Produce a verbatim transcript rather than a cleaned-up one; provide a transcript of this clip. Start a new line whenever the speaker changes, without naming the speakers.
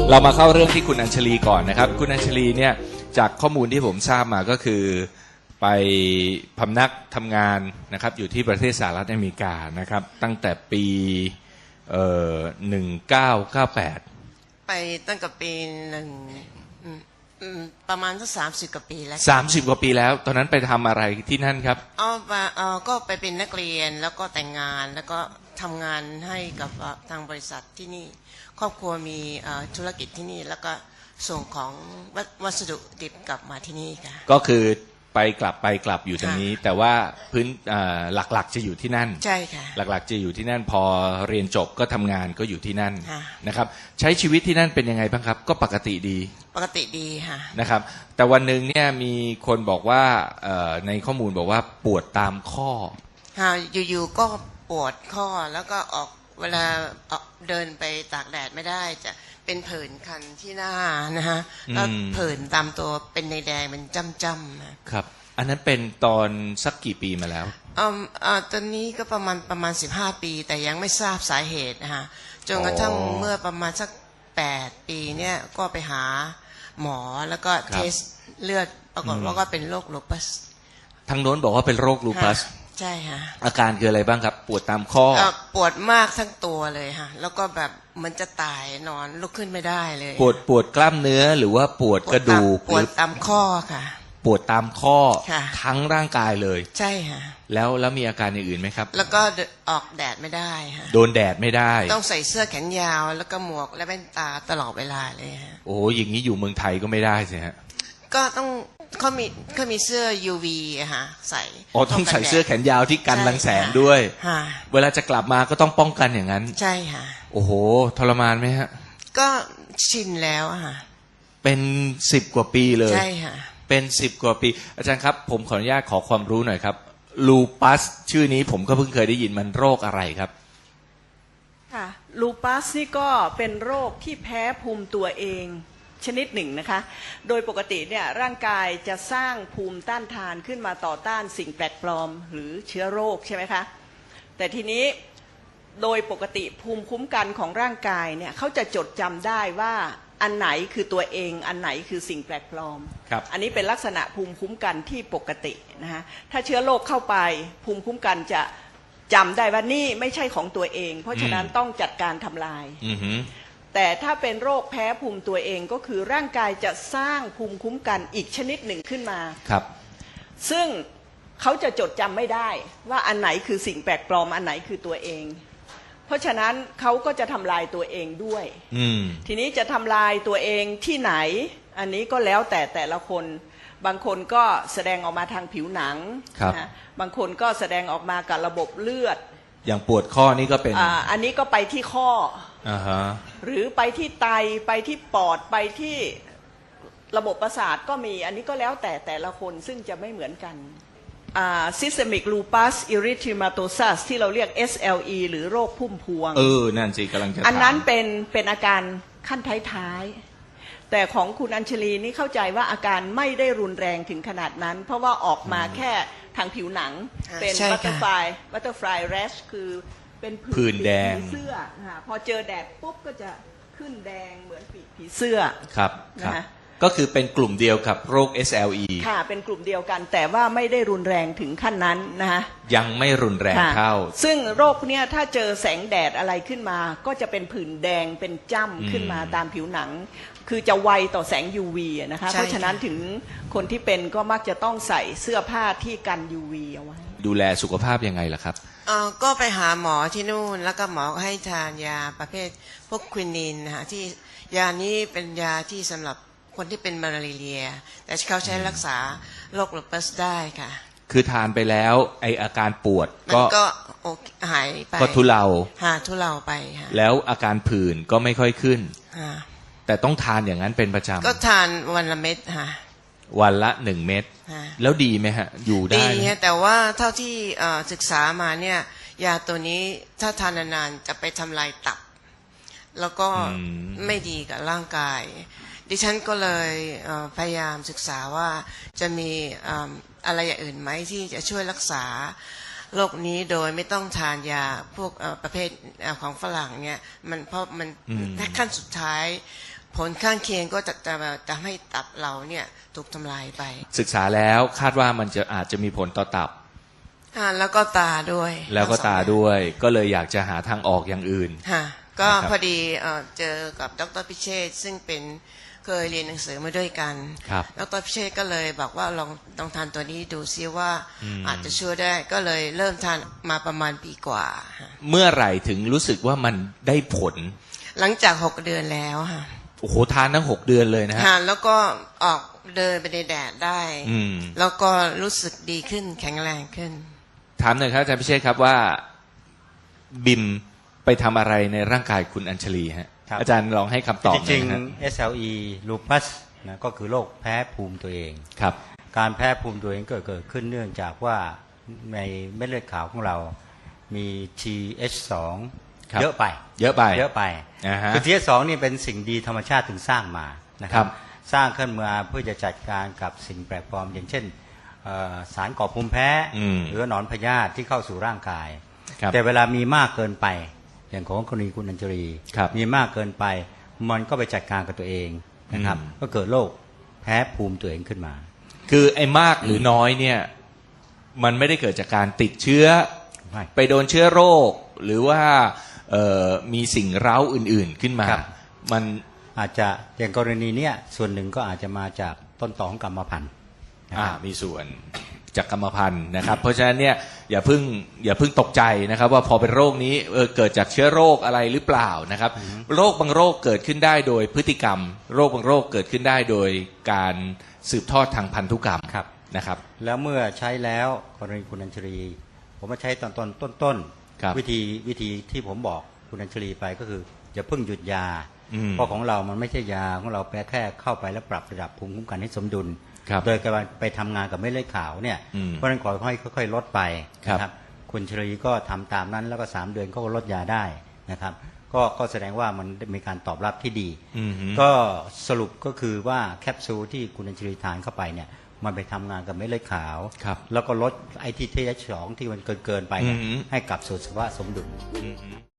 เรามาเข้าเรื่องที่คุณอัญชลีก่อนนะครับคุณอัญชลีเนี่ยจากข้อมูลที่ผมทราบมาก็คือไปพำนักทำงานนะครับอยู่ที่ประเทศสหรัฐอเมริกานะครับตั้งแต่ปีเอ่อหนึ่งเก้าเก้าแปด
ไปตั้งแต่ปีหนึ่งประมาณสักสามสิบกว่าปีแล้ว
สามสิบกว่าปีแล้วตอนนั้นไปทำอะไรที่นั่นครับ
อ๋อเอ่อก็ไปเป็นนักเรียนแล้วก็แต่งงานแล้วก็ทำงานให้กับทางบริษัทที่นี่ครอบครัวมีธุรกิจที่นี่แล้วก็ส่งของวัสดุดิบกลับมาที่นี่ค่ะ
ก็คือไปกลับไปกลับอยู่ตรงนี้แต่ว่าพื้นหลักๆจะอยู่ที่นั่น
ใช่ค่ะ
หลักๆจะอยู่ที่นั่นพอเรียนจบก็ทำงานก็อยู่ที่นั่นนะครับใช้ชีวิตที่นั่นเป็นยังไงบ้างครับก็ปกติดี
ปกติดีค่ะ
นะครับแต่วันหนึ่งเนี่ยมีคนบอกว่าในข้อมูลบอกว่าปวดตามข้อ
ค่ะอยู่ๆก็ปวดข้อแล้วก็ออกเวลาเดินไปตากแดดไม่ได้จะเป็นผื่นคันที่หน้านะฮะแล้วผื่นตามตัวเป็นในแดงเป็นจ้ำๆ
ครับอันนั้นเป็นตอนสักกี่ปีมาแล้ว
อ่าอ่าตอนนี้ก็ประมาณประมาณสิบห้าปีแต่ยังไม่ทราบสาเหตุนะฮะจนกระทั่งเมื่อประมาณสักแปดปีเนี่ยก็ไปหาหมอแล้วก็เทสเลือดปรากฏว่าก็เป็นโรคลูปัส
ทางโน้นบอกว่าเป็นโรคลูปัส
ใช่ค่ะ
อาการคืออะไรบ้างครับปวดตามข้อ
ปวดมากทั้งตัวเลยค่ะแล้วก็แบบมันจะตายนอนลุกขึ้นไม่ได้เลย
ปวดปวดกล้ามเนื้อหรือว่าปวดกระดูก
ปวดตามข้อค่ะ
ปวดตามข้อทั้งร่างกายเลย
ใช่ค่ะ
แล้วแล้วมีอาการอย่างอื่นไหมครับ
แล้วก็ออกแดดไม่ได้ค่ะ
โดนแดดไม่ได้
ต้องใส่เสื้อแขนยาวแล้วก็หมวกและแว่นตาตลอดเวลาเลยฮะ
โอ้อย่างนี้อยู่เมืองไทยก็ไม่ได้สิฮะ
ก็ต้องเขามีเขามีเสื้อ ยู วี อะฮะใส่
อ๋อต้องใส่เสื้อแขนยาวที่กันรังแสงด้วยเวลาจะกลับมาก็ต้องป้องกันอย่างนั้น
ใช่ค่ะ
โอ้โหทรมานไหมฮะ
ก็ชินแล้วอะฮะ
เป็นสิบกว่าปีเลย
ใช่ค่ะ
เป็นสิบกว่าปีอาจารย์ครับผมขออนุญาตขอความรู้หน่อยครับลูปัสชื่อนี้ผมก็เพิ่งเคยได้ยินมันโรคอะไรครับ
ค่ะลูปัสนี่ก็เป็นโรคที่แพ้ภูมิตัวเองชนิดหนึ่งนะคะโดยปกติเนี่ยร่างกายจะสร้างภูมิต้านทานขึ้นมาต่อต้านสิ่งแปลกปลอมหรือเชื้อโรคใช่ไหมคะแต่ทีนี้โดยปกติภูมิคุ้มกันของร่างกายเนี่ยเขาจะจดจำได้ว่าอันไหนคือตัวเองอันไหนคือสิ่งแปลกปลอมอันนี้เป็นลักษณะภูมิคุ้มกันที่ปกตินะคะถ้าเชื้อโรคเข้าไปภูมิคุ้มกันจะจำได้ว่านี่ไม่ใช่ของตัวเองเพราะฉะนั้นต้องจัดการทำลายแต่ถ้าเป็นโรคแพ้ภูมิตัวเองก็คือร่างกายจะสร้างภูมิคุ้มกันอีกชนิดหนึ่งขึ้นมา
ครับซึ่ง
เขาจะจดจำไม่ได้ว่าอันไหนคือสิ่งแปลกปลอมอันไหนคือตัวเองเพราะฉะนั้นเขาก็จะทำลายตัวเองด้วยทีนี้จะทำลายตัวเองที่ไหนอันนี้ก็แล้วแต่แต่ละคนบางคนก็แสดงออกมาทางผิวหนังนะบางคนก็แสดงออกมากับระบบเลือด
อย่างปวดข้อนี่ก็เป็น
อ่า อันนี้ก็ไปที่ข้อ
อ่าฮะ
หรือไปที่ไตไปที่ปอดไปที่ระบบประสาทก็มีอันนี้ก็แล้วแต่แต่ละคนซึ่งจะไม่เหมือนกันอ่า systemic lupus erythematosus ที่เราเรียก เอส แอล อี หรือโรคพุ่มพวง
เออนั่นสิกำลังจะถาม
อันนั้นเป็นเป็นอาการขั้นท้ายๆแต่ของคุณอัญชลีนี่เข้าใจว่าอาการไม่ได้รุนแรงถึงขนาดนั้นเพราะว่าออกมาแค่ทางผิวหนังเป็น butterfly butterfly rash คือเป็น
ผื่นแดง
เสื้อพอเจอแดดปุ๊บก็จะขึ้นแดงเหมือนปีกผีเสื้อ
ครับนะก็คือเป็นกลุ่มเดียวกับโรค เอส แอล อี
ค่ะเป็นกลุ่มเดียวกันแต่ว่าไม่ได้รุนแรงถึงขั้นนั้นนะคะ
ยังไม่รุนแรงเท่า
ซึ่งโรคเนี้ยถ้าเจอแสงแดดอะไรขึ้นมาก็จะเป็นผื่นแดงเป็นจ้ำขึ้นมาตามผิวหนังคือจะไวต่อแสง ยู วี นะคะเพราะฉะนั้นถึงคนที่เป็นก็มักจะต้องใส่เสื้อผ้าที่กัน ยู วี เอาไว้
ดูแลสุขภาพยังไงล่ะครับ
เอ่อก็ไปหาหมอที่นู่นแล้วก็หมอให้ทานยาประเภทพวกควินินนะคะที่ยานี้เป็นยาที่สำหรับคนที่เป็นมาลาเรียแต่เขาใช้รักษาโรคลูปัสได้ค่ะ
คือทานไปแล้วไออาการปวดก็
ก็หายไป
ก็ทุเลา
หาทุเลาไปค่ะ
แล้วอาการผื่นก็ไม่ค่อยขึ้นแต่ต้องทานอย่างนั้นเป็นประจำ
ก็ทานวันละเม็ดค่ะ
วันละหนึ่งเม็ดแล้วดีไหมฮะอยู่ได้
ดีฮะแต่ว่าเท่าที่ศึกษามาเนี่ยยาตัวนี้ถ้าทานนานๆจะไปทำลายตับแล้วก็ไม่ดีกับร่างกายดิฉันก็เลยพยายามศึกษาว่าจะมีอะไรอย่างอื่นไหมที่จะช่วยรักษาโรคนี้โดยไม่ต้องทานยาพวกประเภทของฝรั่งเนี่ยมันเพราะมันขั้นสุดท้ายผลข้างเคียงก็จะจะทำให้ตับเราเนี่ยถูกทำลายไป
ศึกษาแล้วคาดว่ามันจะอาจจะมีผลต่อตับ
อ่าแล้วก็ตาด้วย
แล้วก็ตา
ทั้งสอง
ด้วย ก็เลยอยากจะหาทางออกอย่างอื่น
ค่ะก็
นะครับ
พอดีเอ่อเจอกับดรพิเชษฐ์ซึ่งเป็นเคยเรียนหนังสือมาด้วยกัน
ครับ
ดรพิเชษฐ์ก็เลยบอกว่าลองลองทานตัวนี้ดูซิว่า
อืม
อาจจะช่วยได้ก็เลยเริ่มทานมาประมาณปีกว่าค่ะ
เมื่อไหร่ถึงรู้สึกว่ามันได้ผล
หลังจากหกเดือนแล้วค่ะ
โอ้โหทานทั้งหกเดือนเลยนะฮะ
ค่ะแล้วก็ออกเดินไปในแดดได้
อืม
แล้วก็รู้สึกดีขึ้นแข็งแรงขึ้น
ถามหน่อยครับอาจารย์พิเชษครับว่าบิมไปทำอะไรในร่างกายคุณอัญชลีฮะ
ครับ
อาจารย์ลองให้คำตอบห
จ
น่
ริ
อย
ง
นะฮะ
ๆ เอส แอล อี lupus นะก็คือโรคแพ้ภูมิตัวเอง
ครับ
การแพ้ภูมิตัวเองเกิดเกิดขึ้นเนื่องจากว่าในเม็ดเลือดขาวของเรามี ที เอช สอง
ครับ
เยอะไป
เยอะไป
เยอะไป
อ่าฮะ
คือ ที เอช สอง นี่เป็นสิ่งดีธรรมชาติถึงสร้างมานะค
ครั
รับ บสร้างขึ้นมาเพื่อจะจัดการกับสิ่งแปลกปลอม อย่างเช่นเอ่อสารก่อภูมิแพ้
อืม
หรือหนอนพยาธิที่เข้าสู่ร่างกาย
ครับ
แต่เวลามีมากเกินไป อย่างของกรณีคุณอัญชลี
ครับ
มีมากเกินไป มันก็ไปจัดการกับตัวเองนะครับ
อืม
ก็เกิดโรคแพ้ภูมิตัวเองขึ้นมา
คือไอ้มากหรือน้อยเนี่ย มันไม่ได้เกิดจากการติดเชื้อ
ไม่
ไปโดนเชื้อโรค หรือว่าเอ่อมีสิ่งเร้าอื่น ๆขึ้นมา
ครับ
มัน
อาจจะอย่างกรณีเนี้ยส่วนหนึ่งก็อาจจะมาจากต้นตอของกรรมพันธุ์นะ
อ่า
ครับ
มีส่วนจากกรรมพันธุ์นะครับ เพราะฉะนั้นเนี่ยอย่าเพิ่งอย่าเพิ่งตกใจนะครับ ว่าพอเป็นโรคนี้เออเกิดจากเชื้อโรคอะไรหรือเปล่านะครับ โรคบางโรคเกิดขึ้นได้โดยพฤติกรรม โรคบางโรคเกิดขึ้นได้โดยการสืบทอดทางพันธุกรรม
ครับ
นะครับ
แล้วเมื่อใช้แล้วกรณีคุณอัญชลี ผมมาใช้ตอนต้นต้นต้น
ครับ
วิธีวิธีที่ผมบอกคุณอัญชลีไปก็คืออย่าเพิ่งหยุดยา
อืม
เพราะของเรามันไม่ใช่ยาของเราแค่เข้าไปแล้วปรับระดับภูมิคุ้มกันให้สมดุล
ครับ
โดยการไปทำงานกับเม็ดเลือดขาวเนี่ย
อืม
เพราะฉะนั้นขอให้ค่อยๆลดไป
ครับ
นะครับคุณชลีก็ทำตามนั้นแล้วก็สามเดือนก็ลดยาได้นะครับ ก็ก็แสดงว่ามันมีการตอบรับที่ดี
อือฮึ
ก็สรุปก็คือว่าแคปซูลที่คุณอัญชลีทานเข้าไปเนี่ยมันไปทำงานกับเม็ดเลือดขาว
ครับ
แล้วก็ลดไอที่ ที เอช สอง ที่มันเกินเกินๆไปเนี่ย
อือฮึ
ให้กลับสู่สภาวะสมดุล
อือฮึ